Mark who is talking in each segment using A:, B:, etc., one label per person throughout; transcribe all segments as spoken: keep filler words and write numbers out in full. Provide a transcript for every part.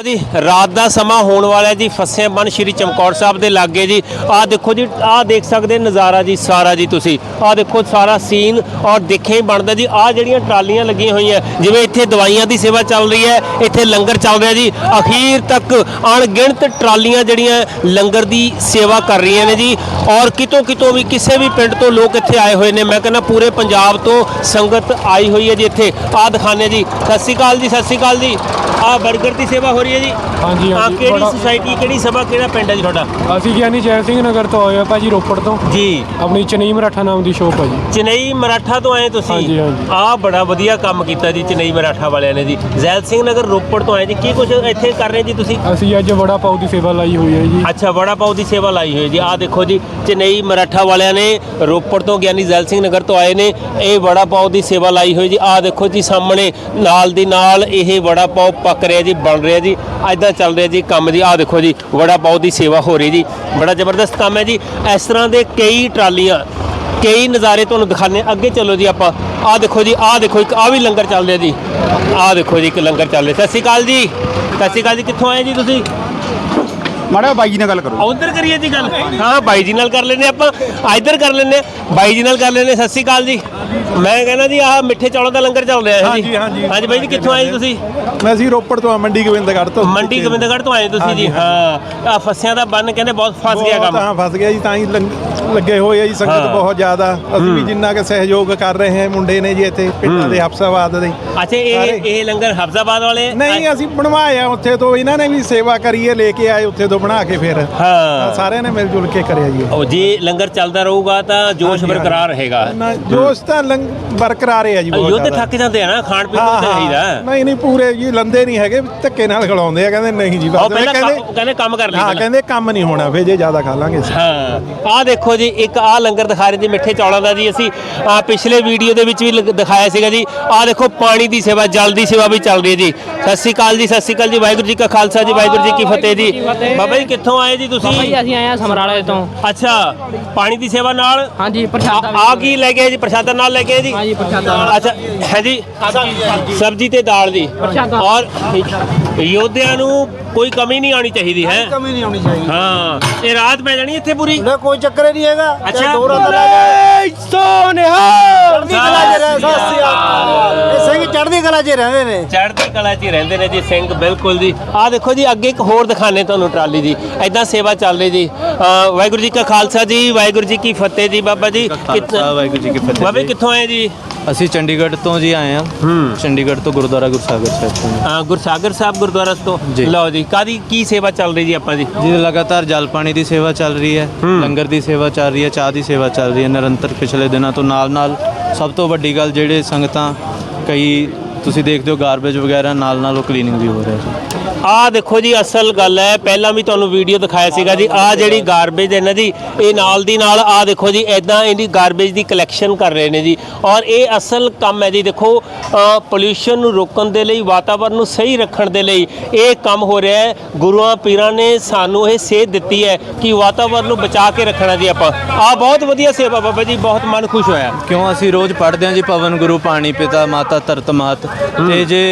A: जी रात का समा होने वाला जी फस्से बन श्री चमकौर साहब के लागे जी आ देखो जी आ देख सकते नज़ारा जी सारा जी तुसी आ देखो सारा सीन और देखे ही बनता जी आ जड़ियाँ ट्रालियां लगी हुई हैं जिवें इत्थे दवाइयां की सेवा चल रही है इत्थे लंगर चल रहा जी अखीर तक अणगिणत ट्रालियां जड़ियाँ लंगर की सेवा कर रही ने जी और कितों कितों भी किसी भी पिंड तो लोग इत्थे आए हुए हैं। मैं कहना पूरे पंजाब तो संगत आई हुई है जी इत्थे आ दिखाने जी। सत श्री अकाल जी सत श्री अकाल जी आ बर्गर की सेवा हो रही है जी।
B: हाँ जी हाँ जी
A: सोसाइटी किहड़ी सभा किहड़ा पिंड है जी तुहाडा?
B: ਅਸੀਂ ਗਿਆਨੀ ਜੈ ਸਿੰਘ ਨਗਰ ਤੋਂ ਆਏ ਆ ਭਾਜੀ ਰੋਪੜ ਤੋਂ
A: जी
B: ਆਪਣੀ ਚਨਈ ਮਰਾਠਾ ਨਾਮ ਦੀ ਸ਼ੋਪ ਹੈ ਜੀ।
A: ਚਨਈ ਮਰਾਠਾ ਤੋਂ ਆਏ ਤੁਸੀਂ?
B: ਹਾਂਜੀ, ਹਾਂਜੀ।
A: ਆ ਬੜਾ ਵਧੀਆ ਕੰਮ ਕੀਤਾ ਜੀ ਚਨਈ ਮਰਾਠਾ ਵਾਲਿਆਂ ਨੇ ਜੀ। ਜ਼ੈਲ ਸਿੰਘ ਨਗਰ ਰੋਪੜ ਤੋਂ ਆਏ ਜੀ ਕੀ ਕੁਝ ਇੱਥੇ ਕਰ ਰਹੇ ਜੀ ਤੁਸੀਂ?
B: ਅਸੀਂ ਅੱਜ ਵੜਾ ਪਾਉ ਦੀ ਸੇਵਾ ਲਾਈ ਹੋਈ ਹੈ ਜੀ।
A: ਅੱਛਾ ਵੜਾ ਪਾਉ ਦੀ ਸੇਵਾ ਲਾਈ ਹੋਈ ਹੈ ਜੀ। ਆ ਦੇਖੋ ਜੀ ਚਨਈ ਮਰਾਠਾ ਵਾਲਿਆਂ ਨੇ ਰੋਪੜ ਤੋਂ ਗਿਆਨੀ ਜ਼ੈਲ ਸਿੰਘ ਨਗਰ ਤੋਂ ਆਏ ਨੇ ਇਹ ਵੜਾ ਪਾਉ ਦੀ ਸੇਵਾ ਲਾਈ ਹੋਈ ਜੀ। ਆ ਦੇਖੋ ਜੀ ਸਾਹਮਣੇ ਨਾਲ ਦੀ ਨਾਲ ਇਹ ਵੜਾ ਪਾਉ ਪੱਕ ਰਿਹਾ ਜੀ ਬਣ ਰਿਹਾ ਜੀ ਇੱਦਾਂ ਚੱਲ ਰਿਹਾ ਜੀ ਕੰਮ ਜੀ। ਆ ਦੇਖੋ ਜੀ ਵੜਾ ਪਾਉ ਦੀ ਸੇਵਾ ਹੋ ਰਹੀ ਜੀ बड़ा जबरदस्त काम है जी। इस तरह के कई ट्रालियां कई नज़ारे तुहानूं दिखाने अगे चलो जी। आप आ देखो जी आ देखो एक आ भी लंगर चल रहा जी। आ देखो जी एक लंगर चल रहा। सत श्री अकाल जी सत श्री अकाल जी कित्थों आए जी तुसीं?
C: माड़ा बाई जी नाल गल करो।
A: उधर करिए जी गल। हाँ बाई जी नाल कर लेने आप इधर कर लेने बाई जी नाल कर लेने। सत श्री अकाल जी मैं कहना जी आह मिठे चौलों का लंगर चल रहा है
C: हाँ
A: जी।
C: जी हाँ जी
A: हाँ जी बाई जी कित्थों आए तुसीं?
C: मैं ਅਸੀਂ ਰੋਪੜ ਤੋਂ ਮੰਡੀ ਗੋਬਿੰਦਗੜ੍ਹ ਤੋਂ।
A: ਮੰਡੀ ਗੋਬਿੰਦਗੜ੍ਹ ਤੋਂ ਆਏ ਤੁਸੀਂ ਜੀ। ਹਾਂ ਆ ਫਸਿਆਂ ਦਾ ਬੰਨ ਕਹਿੰਦੇ ਬਹੁਤ ਫਸ ਗਿਆ ਕੰਮ।
C: ਹਾਂ ਫਸ ਗਿਆ ਜੀ ਤਾਂ ਹੀ ਲੰਗ- ਲੱਗੇ ਹੋਏ ਆ ਜੀ ਸੰਗਤ ਬਹੁਤ ਜ਼ਿਆਦਾ। ਅਸੀਂ ਵੀ ਜਿੰਨਾ ਕਿ ਸਹਿਯੋਗ ਕਰ ਰਹੇ ਹਾਂ ਮੁੰਡੇ ਨੇ ਜੀ ਇੱਥੇ ਪਿੰਡਾਂ ਦੇ ਹਫਸਾਬਾਦ ਦੇ।
A: ਅੱਛਾ ਇਹ ਇਹ ਲੰਗਰ ਹਫਜ਼ਾਬਾਦ ਵਾਲੇ
C: ਨਹੀਂ ਅਸੀਂ ਬਣਵਾਇਆ ਉੱਥੇ ਤੋਂ ਇਹਨਾਂ ਨੇ ਵੀ ਸੇਵਾ ਕਰੀਏ ਲੈ ਕੇ ਆਏ ਉੱਥੇ ਤੋਂ ਬਣਾ ਕੇ ਫਿਰ
A: ਹਾਂ
C: ਸਾਰਿਆਂ ਨੇ ਮਿਲ ਜੁਲ ਕੇ ਕਰਿਆ ਜੀ।
A: ਉਹ ਜੇ ਲੰਗਰ ਚੱਲਦਾ ਰਹੂਗਾ ਤਾਂ ਜੋਸ਼ ਬਰਕਰਾਰ ਰਹੇਗਾ।
C: ਨਾ ਜੋਸ਼ ਤਾਂ ਲੰਗ ਬਰਕਰਾਰ ਹੈ ਜੀ ਬਹੁਤ
A: ਯੁੱਧ
C: ਜ਼ਿਆਦਾ।
A: ਥੱਕ ਜਾਂਦੇ ਆ ਨਾ ਖਾਣ ਪੀਣ ਨੂੰ ਚਾਹੀਦਾ।
C: ਨਹੀਂ ਨਹੀਂ ਪੂਰੇ ਜੀ ਲੰਦੇ ਨਹੀਂ ਹੈਗੇ ਧੱਕੇ ਨਾਲ ਖਿਲਾਉਂਦੇ ਆ ਕਹਿੰਦੇ ਨਹੀਂ ਜੀ
A: ਉਹ
C: ਬਸ
A: ਪਹਿਲਾਂ
C: ਕਹਿੰਦੇ
A: ਕੰਮ- ਕਹਿੰਦੇ ਕੰਮ ਕਰ ਲਈ
C: ਹਾਂ
A: ਪਹਿਲਾਂ।
C: ਕਹਿੰਦੇ ਕੰਮ ਨਹੀਂ ਹੋਣਾ ਫਿਰ ਜੇ ਜ਼ਿਆਦਾ ਖਾ ਲਾਂਗੇ ਅਸੀਂ।
A: ਹਾਂ ਆਹ ਦੇਖੋ ਜੀ ਇੱਕ ਆਹ ਲੰਗਰ ਦਿਖਾ ਰਹੇ ਜੀ ਮਿੱਠੇ ਚੌਲਾਂ ਦਾ ਜੀ। ਅਸੀਂ ਆਹ ਪਿਛਲੇ ਵੀਡੀਓ ਦੇ ਵਿੱਚ ਵੀ ਲਗ- ਦਿਖਾਇਆ ਸੀਗਾ ਜੀ। ਆਹ ਦੇਖੋ ਪਾਣੀ ਦੀ ਸੇਵਾ ਜਲ ਦੀ ਸੇਵਾ ਵੀ ਚੱਲ ਰਹੀ ਹੈ ਜੀ। ਸਤਿ ਸ਼੍ਰੀ ਅਕਾਲ ਜੀ ਸਤਿ ਸ਼੍ਰੀ ਅਕਾਲ ਜੀ ਵਾਹਿਗੁਰੂ ਜੀ ਕਾ ਖਾਲਸਾ ਜੀ ਵਾਹਿਗੁਰੂ ਜੀ ਕੀ ਫਤਿਹ ਜੀ। ਬਾਬਾ ਜੀ ਕਿੱਥੋਂ ਆਏ ਜੀ ਤੁਸੀਂ?
D: ਭਾਈ ਅਸੀਂ ਆਏ ਆ ਸਮਰਾਲੇ ਤੋਂ।
A: ਅੱਛਾ ਪਾਣੀ ਦੀ ਸੇਵਾ ਨਾਲ
D: ਹਾਂਜੀ ਪ੍ਰਸ਼ਾਦਾ ਵੀ।
A: ਆ ਕੀ ਲੈ ਕੇ ਆਏ ਜੀ? ਪ੍ਰਸ਼ਾਦਾ ਨਾਲ ਲੈ ਕੇ ਆਏ ਜੀ?
D: ਹਾਂਜੀ ਪ੍ਰਸ਼ਾਦਾ
A: ਅੱਛਾ ਹੈ ਜੀ ਸਬਜ਼ੀ ਤੇ ਦਾਲ ਦੀ
D: ਪ੍ਰਸ਼ਾਦਾ।
A: ਔਰ ਯੋਧਿਆਂ ਨੂੰ ਕੋਈ ਕਮੀ ਨਹੀਂ ਆਉਣੀ ਚਾਹੀਦੀ ਹੈ।
E: ਕਮੀ ਨਹੀਂ ਆਉਣੀ ਚਾਹੀਦੀ।
A: ਹਾਂ ਇਹ ਰਾਤ ਪੈ ਜਾਣੀ ਇੱਥੇ ਪੂਰੀ।
E: ਨਾ ਕੋਈ ਚੱਕਰ ਹੀ ਨਹੀਂ ਹੈਗਾ।
A: ਅੱਛਾ
E: ਦੋ ਰਾਤਾਂ ਲੈ ਕੇ ਚੜ੍ਹਦੀ ਕਲਾ 'ਚ ਰਹਿ ਸਾਸੀ ਇਹ ਸਿੰਘ ਚੜ੍ਹਦੀ ਕਲਾ 'ਚ ਰਹਿੰਦੇ ਨੇ।
A: ਚੜ੍ਹਦੀ ਕਲਾ 'ਚ ਹੀ ਰਹਿੰਦੇ ਨੇ ਜੀ ਸਿੰਘ ਬਿਲਕੁਲ ਜੀ। ਆਹ ਦੇਖੋ ਜੀ ਅੱਗੇ ਇੱਕ ਹੋਰ ਦਿਖਾਣੇ ਤੁਹਾਨੂੰ ਟਰਾਲੀ ਜੀ ਐਦਾਂ ਸੇਵਾ ਚੱਲ ਰਹੀ ਜੀ। ਅਹ ਵਾਹਿਗੁਰੂ ਜੀ ਕਾ ਖਾਲਸਾ ਜੀ ਵਾਹਿਗੁਰੂ ਜੀ ਕੀ ਫਤਿਹ ਜੀ। ਬਾਬਾ ਜੀ
F: ਖਾਲਸਾ ਵਾਹਿਗੁਰੂ ਜੀ ਕੀ ਫਤਿਹ।
A: ਬਾਬੇ ਕਿੱਥੋਂ ਆਏ ਜੀ?
F: ਅਸੀਂ ਚੰਡੀਗੜ੍ਹ ਤੋਂ ਜੀ ਆਏ ਹਾਂ।
A: ਹੂੰ
F: ਚੰਡੀਗੜ੍ਹ ਤੋਂ ਗੁਰਦੁਆਰਾ ਗੁਰਸਾਗਰ ਸਾਹਿਬ ਤੋਂ।
A: ਹਾਂ ਗੁਰਸਾਗਰ ਸਾਹਿਬ ਗੁਰਦੁਆਰਾ ਤੋਂ।
F: ਜੀ।
A: ਲਓ ਜੀ ਕਾਦੀ ਕੀ ਸੇਵਾ ਚੱਲ ਰਹੀ ਜੀ ਆਪਾਂ ਜੀ?
F: ਜੀ ਲਗਾਤਾਰ ਜਲ ਪਾਣੀ ਦੀ ਸੇਵਾ ਚੱਲ ਰਹੀ ਹੈ, ਲੰਗਰ ਦੀ ਸੇਵਾ ਚੱਲ ਰਹੀ ਹੈ, ਚਾਹ ਦੀ ਸੇਵਾ ਚੱਲ ਰਹੀ ਹੈ ਨਿਰੰਤਰ ਪਿਛਲੇ ਦਿਨਾਂ ਤੋਂ। ਨਾਲ ਨਾਲ ਸਭ ਤੋਂ ਵੱਡੀ ਗੱਲ ਜਿਹੜੇ ਸੰਗਤਾਂ ਕਈ ਤੁਸੀਂ ਦੇਖਦੇ ਹੋ ਗਾਰਬੇਜ ਵਗੈਰਾ ਨਾਲ ਨਾਲ ਉਹ ਕਲੀਨਿੰਗ ਵੀ ਹੋ ਰਿਹਾ ਜੀ।
A: ਆਹ ਦੇਖੋ ਜੀ ਅਸਲ ਗੱਲ ਹੈ ਪਹਿਲਾਂ ਵੀ ਤੁਹਾਨੂੰ ਵੀਡੀਓ ਦਿਖਾਇਆ ਸੀਗਾ ਜੀ। ਆਹ ਜਿਹੜੀ ਗਾਰਬੇਜ ਹੈ ਨਾ ਜੀ ਇਹ ਨਾਲ ਦੀ ਨਾਲ ਆਹ ਦੇਖੋ ਜੀ ਐਦਾਂ ਇਹਦੀ ਗਾਰਬੇਜ ਦੀ ਕਲੈਕਸ਼ਨ ਕਰ ਰਹੇ ਨੇ ਜੀ। ਔਰ ਇਹ ਅਸਲ ਕੰਮ ਹੈ ਜੀ। ਦੇਖੋ ਪੋਲਿਊਸ਼ਨ ਨੂੰ ਰੋਕਣ ਦੇ ਲਈ ਵਾਤਾਵਰਨ ਨੂੰ ਸਹੀ ਰੱਖਣ ਦੇ ਲਈ ਇਹ ਕੰਮ ਹੋ ਰਿਹਾ ਹੈ। ਗੁਰੂਆਂ ਪੀਰਾਂ ਨੇ ਸਾਨੂੰ ਇਹ ਸੇਧ ਦਿੱਤੀ ਹੈ ਕਿ ਵਾਤਾਵਰਨ ਨੂੰ ਬਚਾ ਕੇ ਰੱਖਣਾ ਜੀ ਆਪਾਂ। ਆਹ ਬਹੁਤ ਵਧੀਆ ਸੇਵਾ ਬਾਬਾ ਜੀ ਬਹੁਤ ਮਨ ਖੁਸ਼ ਹੋਇਆ।
F: ਕਿਉਂ ਅਸੀਂ ਰੋਜ਼ ਪੜ੍ਹਦੇ ਹਾਂ ਜੀ ਪਵਨ ਗੁਰੂ ਪਾਣੀ ਪਿਤਾ ਮਾਤਾ ਧਰਤ ਮਾਤ। ਤੇ ਜੇ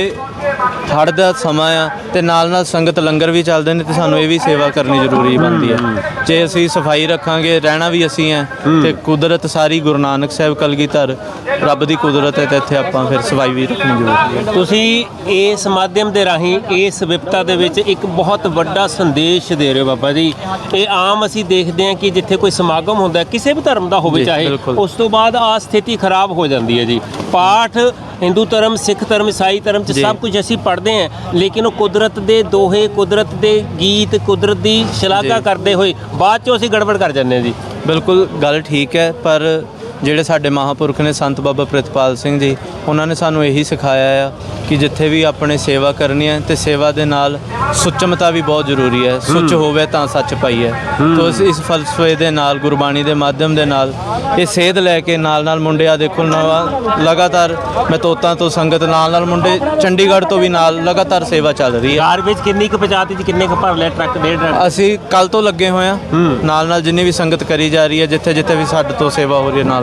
F: ਹੜ੍ਹ ਦਾ ਸਮਾਂ ਆ ਤੇ ਨਾਲ ਨਾਲ ਸੰਗਤ ਲੰਗਰ ਵੀ ਚੱਲਦੇ ਨੇ ਤੇ ਸਾਨੂੰ ਇਹ ਵੀ ਸੇਵਾ ਕਰਨੀ ਜ਼ਰੂਰੀ ਬਣਦੀ ਹੈ। ਜੇ ਅਸੀਂ ਸਫਾਈ ਰੱਖਾਂਗੇ ਰਹਿਣਾ ਵੀ ਅਸੀਂ ਹੈ ਤੇ ਕੁਦਰਤ ਸਾਰੀ ਗੁਰੂ ਨਾਨਕ ਸਾਹਿਬ ਕਲਗੀਧਰ ਰੱਬ ਦੀ ਕੁਦਰਤ ਹੈ ਤੇ ਇੱਥੇ ਆਪਾਂ ਫਿਰ ਸਫਾਈ ਵੀ ਰੱਖਣੀ ਜ਼ਰੂਰੀ ਹੈ।
A: ਤੁਸੀਂ ਇਸ ਮਾਧਿਅਮ ਦੇ ਰਾਹੀਂ ਇਸ ਵਿਪਤਾ ਦੇ ਵਿੱਚ ਇੱਕ ਬਹੁਤ ਵੱਡਾ ਸੰਦੇਸ਼ ਦੇ ਰਹੇ ਹੋ ਬਾਬਾ ਜੀ। ਇਹ ਆਮ ਅਸੀਂ ਦੇਖਦੇ ਹਾਂ ਕਿ ਜਿੱਥੇ ਕੋਈ ਸਮਾਗਮ ਹੁੰਦਾ ਕਿਸੇ ਵੀ ਧਰਮ ਦਾ ਹੋਵੇ
F: ਜੀ,
A: ਚਾਹੇ
F: ਬਿਲਕੁਲ।
A: ਉਸ ਤੋਂ ਬਾਅਦ ਆ ਸਥਿਤੀ ਖਰਾਬ ਹੋ ਜਾਂਦੀ ਹੈ ਜੀ। ਪਾਠ ਹਿੰਦੂ ਧਰਮ ਸਿੱਖ ਧਰਮ ਈਸਾਈ ਧਰਮ 'ਚ
F: ਜੀ।
A: ਸਭ ਕੁਝ ਅਸੀਂ ਪੜ੍ਹਦੇ ਹਾਂ ਲੇਕਿਨ ਉਹ ਕੁਦਰਤ ਦੇ ਦੋਹੇ ਕੁਦਰਤ ਦੇ ਗੀਤ ਕੁਦਰਤ ਦੀ ਸ਼ਲਾਘਾ
F: ਜੀ।
A: ਕਰਦੇ ਹੋਏ ਬਾਅਦ 'ਚੋਂ ਅਸੀਂ ਗੜਬੜ ਕਰ ਜਾਂਦੇ ਹਾਂ ਜੀ।
F: ਬਿਲਕੁਲ ਗੱਲ ਠੀਕ ਹੈ ਪਰ ਜਿਹੜੇ ਸਾਡੇ ਮਹਾਂਪੁਰਖ ਨੇ ਸੰਤ ਬਾਬਾ ਪ੍ਰਿਤਪਾਲ ਸਿੰਘ ਜੀ ਉਹਨਾਂ ਨੇ ਸਾਨੂੰ ਇਹੀ ਸਿਖਾਇਆ ਆ ਕਿ ਜਿੱਥੇ ਵੀ ਆਪਣੇ ਸੇਵਾ ਕਰਨੀ ਹੈ ਤੇ ਸੇਵਾ ਦੇ ਨਾਲ ਸੁੱਚਮਤਾ ਵੀ ਬਹੁਤ ਜ਼ਰੂਰੀ ਹੈ। ਸੁੱਚ ਹੋਵੇ ਤਾਂ ਸੱਚ ਪਾਈ ਹੈ। ਤੋ ਇਸ ਇਸ ਫਲਸਫੇ ਦੇ ਨਾਲ ਗੁਰਬਾਣੀ ਦੇ ਮਾਧਿਅਮ ਦੇ ਨਾਲ ਇਹ ਸੇਧ ਲੈ ਕੇ ਨਾਲ ਨਾਲ ਮੁੰਡੇ ਆ ਦੇਖੋ ਨਵਾਂ ਲਗਾਤਾਰ ਮੈਂ ਤੋਤਾਂ ਤੋਂ ਸੰਗਤ ਨਾਲ ਨਾਲ ਮੁੰਡੇ ਚੰਡੀਗੜ੍ਹ ਤੋਂ ਵੀ ਨਾਲ ਲਗਾਤਾਰ ਸੇਵਾ ਚੱਲ ਰਹੀ ਹੈ।
A: ਗਾਰਬੇਜ ਕਿੰਨੀ ਕੁ ਪਹੁੰਚਾਤੀ ਜੀ ਕਿੰਨੇ ਕੁ ਭਰ ਲਿਆ ਟਰੱਕ ਡੇਢ ਟਰੱਕ?
F: ਅਸੀਂ ਕੱਲ ਤੋਂ ਲੱਗੇ ਹੋਏ ਹਾਂ ਨਾਲ ਨਾਲ ਜਿੰਨੀ ਵੀ ਸੰਗਤ ਕਰੀ ਜਾ ਰਹੀ ਹੈ ਜਿੱਥੇ ਜਿੱਥੇ ਵੀ ਸਾਡੇ ਤੋਂ ਸੇਵਾ ਹੋ ਰਹੀ ਹੈ ਨਾਲ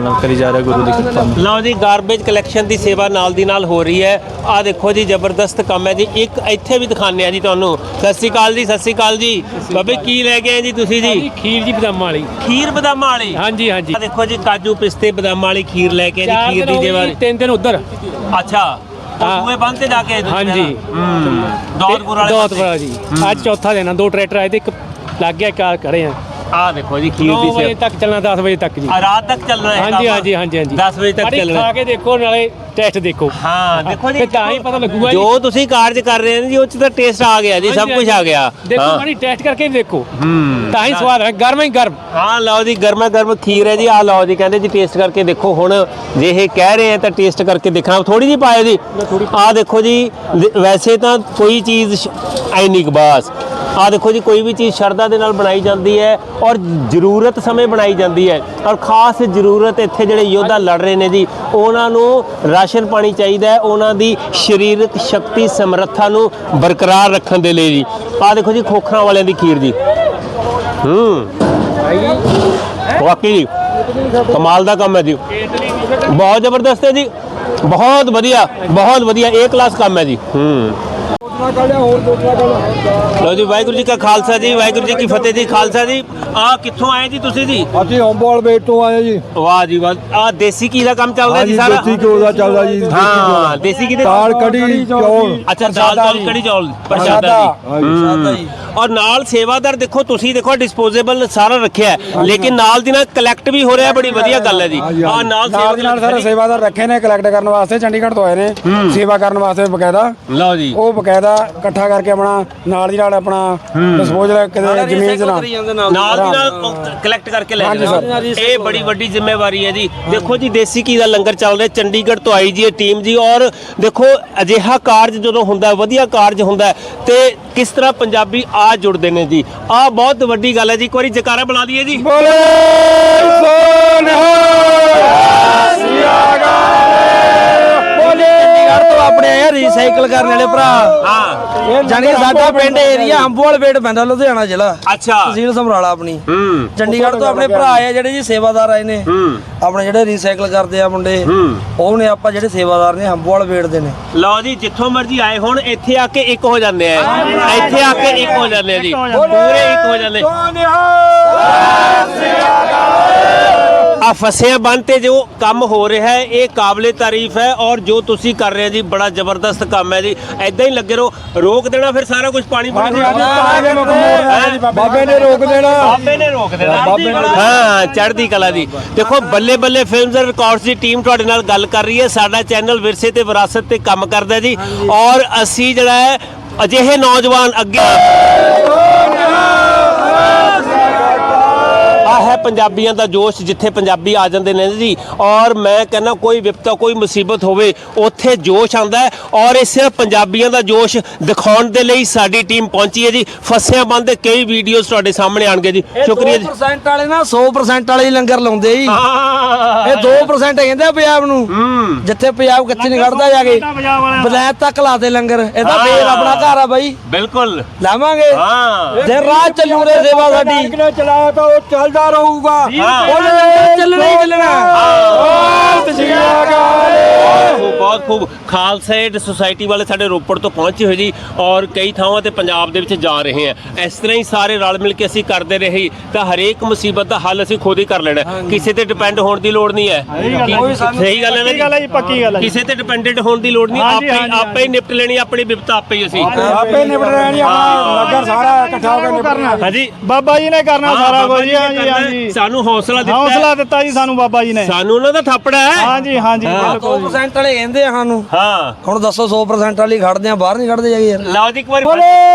F: ਨਾਲ ਕਰੀ ਜਾ ਰਿਹਾ ਗੁਰੂ ਦੀ ਕਿਰਪਾ ਨਾਲ।
A: ਲਓ ਜੀ, ਗਾਰਬੇਜ ਕਲੈਕਸ਼ਨ ਦੀ ਸੇਵਾ ਨਾਲ ਦੀ ਨਾਲ ਹੋ ਰਹੀ ਹੈ। ਆਹ ਦੇਖੋ ਜੀ, ਜ਼ਬਰਦਸਤ ਕੰਮ ਹੈ ਜੀ। ਇੱਕ ਇੱਥੇ ਵੀ ਦਿਖਾਉਂਦੇ ਆ ਜੀ ਤੁਹਾਨੂੰ। ਸਤਿ ਸ਼੍ਰੀ ਅਕਾਲ ਜੀ, ਸਤਿ ਸ਼੍ਰੀ ਅਕਾਲ ਜੀ। ਬਾਬੇ ਕੀ ਲੈ ਕੇ ਆਏ ਜੀ ਤੁਸੀਂ ਜੀ?
B: ਖੀਰ ਜੀ ਬਦਾਮਾਂ ਵਾਲੀ।
A: ਖੀਰ ਬਦਾਮਾਂ ਵਾਲੀ?
B: ਹਾਂਜੀ ਹਾਂਜੀ।
A: ਆਹ ਦੇਖੋ ਜੀ, ਕਾਜੂ ਪਿਸਤੇ ਬਦਾਮਾਂ ਵਾਲੀ ਖੀਰ ਲੈ ਕੇ ਆਏ ਜੀ। ਖੀਰ ਦੀ ਦੀਵਾਰ।
B: ਤਿੰਨ ਦਿਨ ਉਧਰ।
A: ਅੱਛਾ, ਸੂਏ ਬੰਦ ਤੇ ਜਾ ਕੇ ਆਏ ਤੁਸੀਂ
B: ਹਾਂਜੀ।
A: ਹੂੰ, ਦੌਲਤਪੁਰ ਵਾਲੇ
B: ਦੌਲਤਪੁਰਾ ਜੀ। ਅੱਜ ਚੌਥਾ ਦਿਨ ਆ। ਦੋ ਟਰੈਕਟਰ ਆਏ ਤੇ ਇੱਕ ਲੱਗ ਗਿਆ ਕਾਰ ਖੜੇ ਆ।
A: ਆਹ ਦੇਖੋ ਜੀ, ਖੀਰ
B: ਨੌ
A: ਦੀ
B: ਵਜੇ
A: ਸੇਵਾ
B: ਤੱਕ ਚੱਲਣਾ, ਦਸ ਵਜੇ ਤੱਕ ਜੀ।
A: ਆ ਰਾਤ ਤੱਕ ਚੱਲਣਾ ਹੈ।
B: ਹਾਂਜੀ ਹਾਂਜੀ ਹਾਂਜੀ ਹਾਂਜੀ।
A: ਦਸ ਵਜੇ ਤੱਕ
B: ਮਾੜੀ
A: ਚੱਲਣਾ।
B: ਖਾ ਕੇ ਦੇਖੋ, ਨਾਲੇ ਟੈਸਟ ਦੇਖੋ।
A: ਹਾਂ ਦੇਖੋ ਜੀ,
B: ਫਿਰ ਤਾਂ ਹੀ ਪਤਾ ਲੱਗੂਗਾ ਜੀ।
A: ਜੋ ਤੁਸੀਂ ਕਾਰਜ ਕਰ ਰਹੇ ਨੇ ਜੀ, ਉਹ ਚ ਤਾਂ ਟੇਸਟ ਆ ਗਿਆ ਜੀ, ਸਭ ਕੁਝ ਆ ਗਿਆ।
B: ਦੇਖੋ
A: ਹਾਂ।
B: ਮਾੜੀ ਟੈਸਟ ਕਰਕੇ ਦੇਖੋ,
A: ਹੂੰ,
B: ਤਾਂ ਹੀ ਸਵਾਦ ਹੈ। ਗਰਮ ਹੀ ਗਰਮ।
A: ਹਾਂ ਲਓ ਜੀ, ਗਰਮਾ ਗਰਮ ਖੀਰ ਹੈ ਜੀ। ਆਹ ਲਓ ਜੀ, ਕਹਿੰਦੇ ਜੀ ਟੇਸਟ ਕਰਕੇ ਦੇਖੋ। ਹੁਣ ਜੇ ਇਹ ਕਹਿ ਰਹੇ ਆ ਤਾਂ ਟੇਸਟ ਕਰਕੇ ਦੇਖਣਾ। ਥੋੜੀ ਜਿਹੀ ਪਾਇਓ ਜੀ। ਆਹ ਦੇਖੋ ਜੀ, ਵੈਸੇ ਤਾਂ ਕੋਈ ਚੀਜ਼ ਐਨੀ ਕੁ ਬਸ। ਆਹ ਦੇਖੋ ਜੀ, ਕੋਈ ਵੀ ਚੀਜ਼ ਸ਼ਰਧਾ ਦੇ ਨਾਲ ਬਣਾਈ ਜਾਂਦੀ ਹੈ ਔਰ ਜ਼ਰੂਰਤ ਸਮੇਂ ਬਣਾਈ ਜਾਂਦੀ ਹੈ। ਔਰ ਖਾਸ ਜ਼ਰੂਰਤ ਇੱਥੇ ਜਿਹੜੇ ਯੋਧਾ ਲੜ ਰਹੇ ਨੇ ਜੀ, ਉਹਨਾਂ ਨੂੰ ਰਾਸ਼ਨ ਪਾਣੀ ਚਾਹੀਦਾ ਹੈ, ਉਹਨਾਂ ਦੀ ਸਰੀਰਕ ਸ਼ਕਤੀ ਸਮਰੱਥਾ ਨੂੰ ਬਰਕਰਾਰ ਰੱਖਣ ਦੇ ਲਈ ਜੀ। ਆਹ ਦੇਖੋ ਜੀ, ਖੋਖਰਾਂ ਵਾਲਿਆਂ ਦੀ ਖੀਰ ਜੀ। ਹੂੰ, ਵਾਕਈ ਜੀ ਕਮਾਲ ਦਾ ਕੰਮ ਹੈ ਜੀ। ਬਹੁਤ ਜ਼ਬਰਦਸਤ ਹੈ ਜੀ, ਬਹੁਤ ਵਧੀਆ, ਬਹੁਤ ਵਧੀਆ, ਏ ਕਲਾਸ ਕੰਮ ਹੈ ਜੀ। ਹੂੰ, ਲਓ ਜੀ, ਵਾਹਿਗੁਰੂ ਜੀ ਕਾ ਖਾਲਸਾ ਜੀ, ਵਾਹਿਗੁਰੂ ਜੀ ਕੀ ਫਤਿਹ ਜੀ। ਖਾਲਸਾ ਜੀ, ਆ ਕਿੱਥੋਂ ਆਏ ਜੀ ਤੁਸੀਂ ਜੀ?
G: ਅਸੀਂ ਹੰਬੋਲ ਵੇਟ ਤੋਂ ਆਏ ਜੀ।
A: ਵਾਹ ਜੀ ਵਾਹ। ਆ ਦੇਸੀ ਘੀ ਦਾ ਕੰਮ ਚੱਲਦਾ ਜੀ
G: ਹਾਂਜੀ,
A: ਸਾਰਾ?
G: ਦੇਸੀ ਘਿਓ ਦਾ ਚੱਲਦਾ ਜੀ। ਦੇਸੀ
A: ਹਾਂ,
G: ਘਿਓ।
A: ਦੇਸੀ ਘੀ ਦੇ
G: ਦਾਲ ਕੜੀ ਚੌਲ।
A: ਅੱਛਾ, ਦਾਲ ਚੌਲ ਕੜੀ ਚੌਲ ਪ੍ਰਸ਼ਾਦਾ ਜੀ।
G: ਪ੍ਰਸ਼ਾਦਾ ਜੀ।
A: ਔਰ ਨਾਲ ਸੇਵਾਦਾਰ ਦੇਖੋ, ਤੁਸੀਂ ਦੇਖੋ ਡਿਸਪੋਜ਼ੇਬਲ ਸਾਰਾ ਰੱਖਿਆ ਹੈ, ਲੇਕਿਨ ਨਾਲ ਦੀ ਨਾਲ ਕਲੈਕਟ ਵੀ ਹੋ ਰਿਹਾ। ਬੜੀ ਵਧੀਆ ਗੱਲ ਹੈ ਜੀ। ਆ ਨਾਲ
G: ਨਾਲ ਦੀ ਨਾਲ
A: ਸੇਵਾ
G: ਸਾਰੇ ਸੇਵਾਦਾਰ ਰੱਖੇ ਨੇ ਕਲੈਕਟ ਕਰਨ ਵਾਸਤੇ। ਚੰਡੀਗੜ੍ਹ ਤੋਂ ਆਏ ਨੇ ਸੇਵਾ ਕਰਨ ਵਾਸਤੇ ਬਕਾਇਦਾ।
A: ਲਓ ਜੀ,
G: ਉਹ ਬਕਾਇਦਾ ਇਕੱਠਾ ਕਰਕੇ ਆਪਣਾ ਨਾਲ ਦੀ ਨਾਲ ਆਪਣਾ ਡਿਸਪੋਜ਼ਲ ਕਿਤੇ ਜ਼ਮੀਨ ਦੇ ਨਾਲ
A: ਨਾਲ ਦੀ ਨਾਲ ਕਲੈਕਟ ਕਰਕੇ ਲੈ
G: ਹਾਂਜੀ
A: ਜਾਣਾ।
G: ਸਰ।
A: ਇਹ ਬੜੀ ਵੱਡੀ ਜ਼ਿੰਮੇਵਾਰੀ ਹੈ ਜੀ। ਦੇਖੋ ਜੀ, ਦੇਸੀ ਘੀ ਦਾ ਲੰਗਰ ਚੱਲ ਰਿਹਾ। ਚੰਡੀਗੜ੍ਹ ਤੋਂ ਆਈ ਜੀ ਇਹ ਟੀਮ ਜੀ। ਔਰ ਦੇਖੋ, ਅਜਿਹਾ ਕਾਰਜ ਜਦੋਂ ਹੁੰਦਾ, ਵਧੀਆ ਕਾਰਜ ਹੁੰਦਾ, ਤੇ ਕਿਸ ਤਰ੍ਹਾਂ ਪੰਜਾਬੀ ਆ ਜੁੜਦੇ ਨੇ ਜੀ। ਆ ਬਹੁਤ ਵੱਡੀ ਗੱਲ ਹੈ ਜੀ। ਇੱਕ ਵਾਰੀ ਜਕਾਰਾ ਬੁਲਾ ਦਈਏ ਜੀ।
G: ਬੋਲੇ
E: ਚੰਡੀਗੜ੍ਹ ਤੋਂ ਆਪਣੇ ਆਏ ਰੀਸਾਈਕਲ ਕਰਨ ਵਾਲੇ ਭਰਾ।
A: ਹਾਂ,
E: ਜਾਣੀ ਕਿ ਸਾਡਾ ਪਿੰਡ ਏਰੀਆ ਅੰਬੋਵਾਲ ਵੇਟ ਪੈਂਦਾ, ਲੁਧਿਆਣਾ ਜ਼ਿਲ੍ਹਾ,
A: ਅੱਛਾ।
E: ਤਹਿਸੀਲ ਸਮਰਾਲਾ ਆਪਣੀ।
A: ਹੂੰ,
E: ਚੰਡੀਗੜ੍ਹ ਤੋਂ ਆਪਣੇ ਭਰਾ ਆਏ ਜਿਹੜੇ ਜੀ ਸੇਵਾਦਾਰ ਆਏ ਨੇ।
A: ਹੂੰ,
E: ਆਪਣੇ ਜਿਹੜੇ ਰੀਸਾਈਕਲ ਕਰਦੇ ਆ ਮੁੰਡੇ,
A: ਹੂੰ।
E: ਉਹ ਨੇ ਆਪਾਂ ਜਿਹੜੇ ਸੇਵਾਦਾਰ ਨੇ ਅੰਬੋਵਾਲ ਵੇਟ ਦੇ ਨੇ।
A: ਲਓ ਜੀ, ਜਿੱਥੋਂ ਮਰਜ਼ੀ ਆਏ ਹੁਣ, ਇੱਥੇ ਆ ਕੇ ਇੱਕ ਹੋ ਜਾਂਦੇ ਆ। ਇੱਥੇ ਆ ਕੇ ਇੱਕ ਹੋ ਜਾਂਦੇ ਆ ਜੀ, ਪੂਰੇ ਇੱਕ ਹੋ ਜਾਂਦੇ। ਆ ਫਸਿਆਂ ਬੰਨ ਤੇ ਜੋ ਕੰਮ ਹੋ ਰਿਹਾ ਹੈ, ਇਹ ਕਾਬਲੇ ਤਾਰੀਫ ਹੈ। ਔਰ ਜੋ ਤੁਸੀਂ ਕਰ ਰਹੇ ਹੋ ਜੀ, ਬੜਾ ਜ਼ਬਰਦਸਤ ਕੰਮ ਹੈ ਜੀ। ਐਦਾਂ ਹੀ ਲੱਗੇ ਰਹੋ। ਰੋਕ ਦੇਣਾ ਫਿਰ ਸਾਰਾ ਕੁਝ ਪਾਣੀ ਪਾਣੀ
G: ਬਾਬੇ ਨੇ ਰੋਕ ਦੇਣਾ।
A: ਬਾਬੇ ਨੇ ਰੋਕ ਦੇਣਾ। ਹਾਂ, ਚੜ੍ਹਦੀ ਕਲਾ ਦੀ। ਦੇਖੋ, Balle Balle films and records ਦੀ ਟੀਮ ਤੁਹਾਡੇ ਨਾਲ ਗੱਲ ਕਰ ਰਹੀ ਹੈ। ਸਾਡਾ ਚੈਨਲ ਵਿਰਸੇ ਤੇ ਵਿਰਾਸਤ ਤੇ ਕੰਮ ਕਰਦਾ ਜੀ। ਔਰ ਅਸੀਂ ਜਿਹੜਾ ਹੈ, ਅਜਿਹੇ ਨੌਜਵਾਨ ਅੱਗੇ ਆ ਹੈ ਪੰਜਾਬੀਆਂ ਦਾ ਜੋਸ਼, ਜਿੱਥੇ ਪੰਜਾਬੀ ਆ ਜਾਂਦੇ ਨੇ ਜੀ। ਔਰ ਮੈਂ ਕਹਿੰਦਾ, ਕੋਈ ਵਿਪਤਾ, ਕੋਈ ਮੁਸੀਬਤ ਹੋਵੇ, ਉੱਥੇ ਜੋਸ਼ ਆਉਂਦਾ ਹੈ। ਔਰ ਇਹ ਸਿਰਫ ਪੰਜਾਬੀਆਂ ਦਾ ਜੋਸ਼ ਦਿਖਾਉਣ ਦੇ ਲਈ ਸਾਡੀ ਟੀਮ ਪਹੁੰਚੀ ਹੈ ਜੀ। ਫਸਿਆਂ ਬੰਦ ਦੇ ਕਈ ਵੀਡੀਓਜ਼ ਤੁਹਾਡੇ ਸਾਹਮਣੇ ਆਣਗੇ ਜੀ। ਸ਼ੁਕਰੀਆ ਜੀ।
E: ਦੋ ਪਰਸੈਂਟ ਵਾਲੇ ਨਾ ਸੌ ਪਰਸੈਂਟ ਵਾਲੇ ਹੀ ਲੰਗਰ ਲਾਉਂਦੇ ਜੀ। ਇਹ ਦੋ ਪਰਸੈਂਟ ਕਹਿੰਦੇ ਆ ਪੰਜਾਬ ਨੂੰ। ਜਿੱਥੇ ਪੰਜਾਬ ਕੱਚੇ ਨਹੀਂ ਖੜਦਾ ਜਾ ਕੇ ਬਲੈਤ ਤੱਕ ਲਾਤੇ ਲੰਗਰ। ਇਹਦਾ ਫੇਰ ਆਪਣਾ ਘਰ ਆ ਬਾਈ,
A: ਬਿਲਕੁਲ
E: ਲਾਵਾਂਗੇ।
A: ਹਾਂ,
E: ਦਿਨ ਰਾਤ ਚੱਲੂ ਰੇ ਸੇਵਾ ਸਾਡੀ।
G: ਚਲਾਇਆ ਤਾਂ ਉਹ ਚੱਲਦਾ ਰਹੂਗਾ।
E: ਉਹਨੇ ਲੰਗਰ ਚੱਲਣਾ ਹੀ ਚੱਲਣਾ।
A: ਬਹੁਤ ਖੂਬ। ਖਾਲਸਾ ਏਡ ਸੁਸਾਇਟੀ ਵਾਲੇ ਸਾਡੇ ਰੋਪੜ ਤੋਂ ਪਹੁੰਚੇ ਹੋਏ ਜੀ। ਔਰ ਕਈ ਥਾਵਾਂ ਤੇ ਪੰਜਾਬ ਦੇ ਵਿੱਚ ਜਾ ਰਹੇ ਆ। ਇਸ ਤਰ੍ਹਾਂ ਹੀ ਸਾਰੇ ਰਲ ਮਿਲ ਕੇ ਅਸੀਂ ਕਰਦੇ ਰਹੇ ਤਾਂ ਹਰੇਕ ਮੁਸੀਬਤ ਦਾ ਹੱਲ ਅਸੀਂ ਖੁਦ ਹੀ ਕਰ ਲੈਣਾ। ਕਿਸੇ ਤੇ ਡਿਪੈਂਡ ਹੋਣ ਦੀ ਲੋੜ ਨਹੀਂ ਹੈ। ਸਹੀ ਗੱਲ ਹੈ ਨਾ ਜੀ,
B: ਪੱਕੀ ਗੱਲ ਹੈ।
A: ਕਿਸੇ ਤੇ ਡਿਪੈਂਡੈਂਟ ਹੋਣ ਦੀ ਲੋੜ ਨਹੀਂ। ਆਪੇ ਆਪੇ ਹੀ ਨਿਪਟ ਲੈਣੀ ਆਪਣੀ ਵਿਪਤਾ, ਆਪੇ ਹੀ ਅਸੀਂ
G: ਆਪੇ ਨਿਬੜ ਰਹਿਣੀ। ਆਪਣਾ ਨਗਰ ਸਾਰਾ ਇਕੱਠਾ ਹੋ ਕੇ ਨਿਬੜਨਾ।
A: ਹਾਂਜੀ,
B: ਬਾਬਾ ਜੀ ਨੇ ਕਰਨਾ ਸਾਰਾ ਕੁਝ।
A: ਜੀ ਨੇ ਕਰਨਾ। ਸਾਨੂੰ ਹੌਸਲਾ ਦਿੱਤਾ,
B: ਹੌਸਲਾ ਦਿੱਤਾ ਜੀ ਸਾਨੂੰ ਬਾਬਾ ਜੀ ਨੇ।
A: ਸਾਨੂੰ ਉਹਨਾਂ ਦਾ ਥਾਪੜਾ ਹੈ।
B: ਹਾਂਜੀ ਹਾਂਜੀ,
E: ਦੋ ਪਰਸੈਂਟ ਵਾਲੇ ਕਹਿੰਦੇ ਆ ਸਾਨੂੰ।
A: ਹਾਂ,
E: ਹੁਣ ਦੱਸੋ ਸੌ ਪਰਸੈਂਟ ਵਾਲੀ ਖੜਦੇ ਆ, ਬਾਹਰ ਨਹੀਂ ਖੜਦੇ ਜਾਗੇ ਯਾਰ।
A: ਲਓ ਜੀ, ਇੱਕ ਵਾਰੀ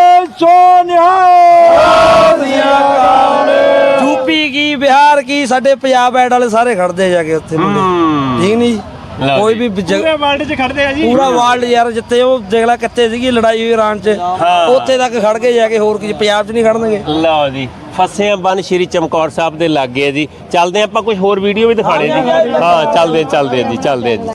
E: ਯੂਪੀ ਕੀ, ਬਿਹਾਰ ਕੀ, ਸਾਡੇ ਪੰਜਾਬ ਐਡ ਵਾਲੇ ਸਾਰੇ ਖੜਦੇ ਜਾ ਕੇ ਉੱਥੇ ਮੁੰਡੇ। ਠੀਕ ਨਹੀਂ, ਕੋਈ ਵੀ
B: ਪੂਰੇ ਵਰਲਡ 'ਚ ਖੜਦੇ ਆ ਜੀ।
E: ਪੂਰਾ ਵਰਲਡ ਯਾਰ, ਜਿੱਥੇ ਉਹ ਦੇਖ ਲੈ ਕਿੱਥੇ ਸੀਗੀ ਲੜਾਈ ਹੋਈ ਇਰਾਨ 'ਚ, ਉੱਥੇ ਤੱਕ ਖੜ ਕੇ ਜਾ ਕੇ। ਹੋਰ ਕੀ ਪੰਜਾਬ 'ਚ ਨਹੀਂ ਖੜਨਗੇ।
A: ਲਓ ਜੀ, ਫਸਿਆਂ ਬੰਨ ਸ਼੍ਰੀ ਚਮਕੌਰ ਸਾਹਿਬ ਦੇ ਲਾਗੇ ਜੀ। ਚੱਲਦੇ ਆਪਾਂ, ਕੁਝ ਹੋਰ ਵੀਡੀਓ ਵੀ ਦਿਖਾਣੇ ਜੀ। ਹਾਂ, ਚੱਲਦੇ ਚੱਲਦੇ ਜੀ, ਚੱਲਦੇ ਜੀ।